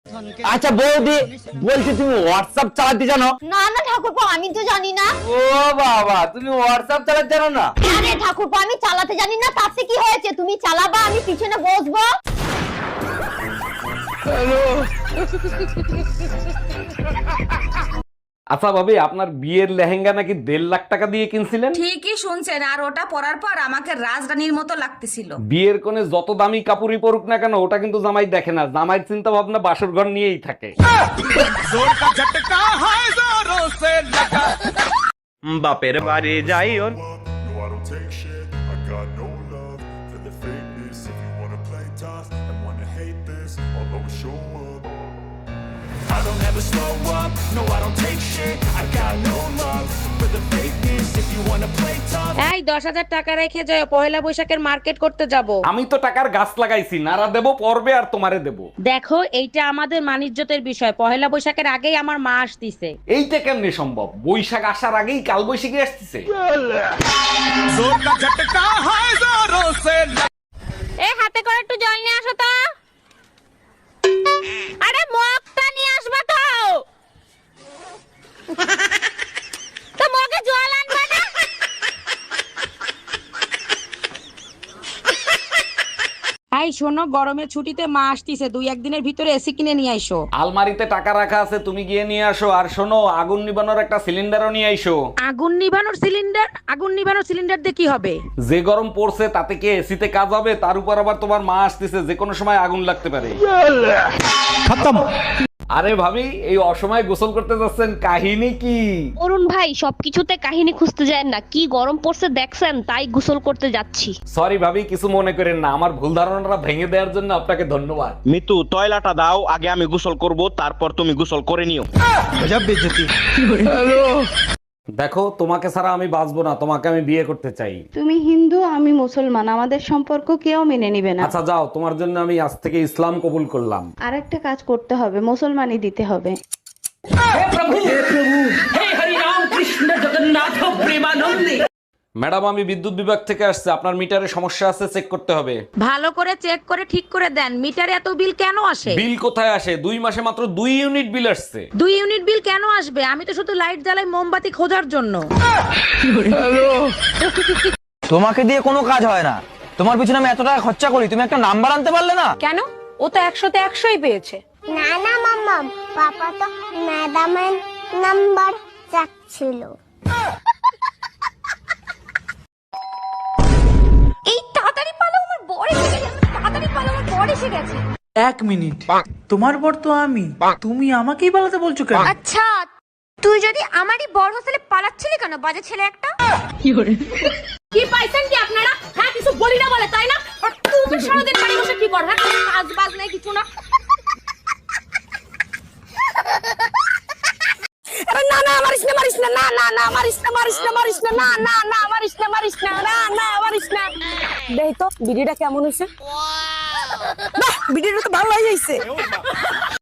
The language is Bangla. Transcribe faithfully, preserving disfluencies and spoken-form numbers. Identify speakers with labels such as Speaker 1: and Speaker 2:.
Speaker 1: আচ্ছা বৌদি, বলছি তুমি হোয়াটসঅ্যাপ চালাতে জানো?
Speaker 2: না না ঠাকুরপো, আমি তো জানি না।
Speaker 1: ও বাবা, তুমি হোয়াটসঅ্যাপ চালাতে জানো না?
Speaker 2: আরে ঠাকুরপো, আমি চালাতে জানি না, তাতে কি হয়েছে? তুমি চালাবা, আমি পিছনে বসবো।
Speaker 1: হ্যালো। আচ্ছা ভাবি, আপনার বিয়ের লেহেঙ্গা নাকি দেড় লাখ টাকা দিয়ে কিনছিলেন?
Speaker 3: ঠিকই শুনছেন, আর ওটা পরার পর আমাকে রাজরানীর মতো লাগতেছিল।
Speaker 1: বিয়ের কোণে যত দামি কাপড়ই পরুক না কেন, ওটা কিন্তু জামাই দেখে না। জামাই চিন্তা ভাবনা বাসর ঘর নিয়েই থাকে।
Speaker 4: বাপের বাড়ি যাই ওর
Speaker 5: No, I don't take shit. I got no love for the fakeness. If you wanna play tough and wanna hate this, I'll always show up. I don't ever slow up. No, I don't take shit. I got no love for the fakeness. If you wanna play tough.
Speaker 6: এই দশ হাজার টাকা রেখে যাও, পয়লা বৈশাখের মার্কেট করতে যাব।
Speaker 1: আমি তো টাকার গাছ লাগাইছি, নারা দেব পর্বে আর তোমারে দেব।
Speaker 6: দেখো, এইটা আমাদের মানিজ্যতের বিষয়। পয়লা বৈশাখের আগেই আমার মা আসতিছে।
Speaker 1: এইটা কেমনে সম্ভব? বৈশাখ আসার আগেই কাল বৈশাখী আসতেছে।
Speaker 6: এই হাতে করে একটু জল নিয়ে আসো তো। আরে মগটা নিয়ে আসবা তো। তো মগে জল আনবা না? এই শোনো, গরমের ছুটিতে মা আসতিছে, দুই একদিনের ভিতরে এসি কিনে নিয়ে আইসো।
Speaker 1: আলমারিতে টাকা রাখা আছে, তুমি গিয়ে নিয়ে আসো। আর শোনো, আগুন নিবানোর একটা সিলিন্ডারও নিয়ে আইসো।
Speaker 6: আগুন নিভানোর সিলিন্ডার? আগুন নিভানোর সিলিন্ডার দিয়ে কি হবে?
Speaker 1: যে গরম পড়ছে তাতে কি এসিতে কাজ হবে? তার উপর আবার তোমার মা আসতেছে, যে কোনো সময় আগুন লাগতে পারে। আরে ভাবি, এই অসময়ে গোসল করতে যাচ্ছেন, কাহিনী কি?
Speaker 2: অরুণ ভাই, সবকিছুতে কাহিনী খুঁজতে যায় না, কি গরম পড়ছে দেখছেন, তাই গোসল করতে যাচ্ছি।
Speaker 1: সরি ভাবি, কিছু মনে করেন না। আমার ভুল ধারণাটা ভেঙে দেওয়ার জন্য আপনাকে ধন্যবাদ।
Speaker 4: মিতু, তয়লাটা দাও, আগে আমি গোসল করব, তারপর তুমি গোসল করে নিও।
Speaker 1: দেখো, তোমাকে ছাড়া আমি বাঁচবো না, তোমাকে আমি বিয়ে করতে চাই।
Speaker 7: তুমি হিন্দু, আমি মুসলমান, আমাদের সম্পর্ক কেউ মেনে নিবে না।
Speaker 1: আচ্ছা যাও, তোমার জন্য আমি আজ থেকে ইসলাম কবুল করলাম।
Speaker 7: আর একটা কাজ করতে হবে, মুসলমানই দিতে হবে।
Speaker 1: ম্যাডাম, আমি বিদ্যুৎ বিভাগ থেকে আসছে, আপনার মিটারে সমস্যা আছে, চেক করতে হবে।
Speaker 6: ভালো করে চেক করে ঠিক করে দেন। মিটারে এত বিল কেন আসে?
Speaker 1: বিল কোথায় আসে? দুই মাসে মাত্র দুই ইউনিট বিল আসছে।
Speaker 6: দুই ইউনিট বিল কেন আসবে? আমি তো শুধু লাইট জ্বালাই মোমবাতি খোঁজার জন্য।
Speaker 8: তোমাকে দিয়ে কোনো কাজ হয় না। তোমার পিছনে আমি এত টাকা খরচা করি, তুমি একটা নাম্বার আনতে পারলে না?
Speaker 6: কেন? ও তো একশোতে একশোই পেয়েছে।
Speaker 9: না না মাম্মা, পাপা তো ম্যাডামের নাম্বার চাচ্ছিল।
Speaker 3: এই তাড়াতাড়ি পালো, আমার বর এসে গেছে। তাড়াতাড়ি পালো, আমার বর এসে গেছে।
Speaker 10: এক মিনিট, তোমার বর তো আমি, তুমি আমাকেই পালাতে বলছো কেন?
Speaker 9: আচ্ছা, তুই যদি আমারই বড় হোস্টেলে পালাচ্ছিলি কেন, বাজে ছেলে একটা?
Speaker 6: কি পাইছেন কি আপনারা? হ্যাঁ, কিছু বলি না বলে, তাই না? আর তুমি সারাদিন বাড়ি বসে কি কর? হ্যাঁ, কাজ বাজ নাই, কিছু না।
Speaker 3: না না, মারিস না, মারিস না, না না না, মারিস না, মারিস না, মারিস না, না না না, মারিস না, মারিস না, না না, মারিস না। দেখ তো ভিডিওটা কেমন হয়েছে। বাহ, ভিডিওটা তো ভালো হয়ে যাইছে।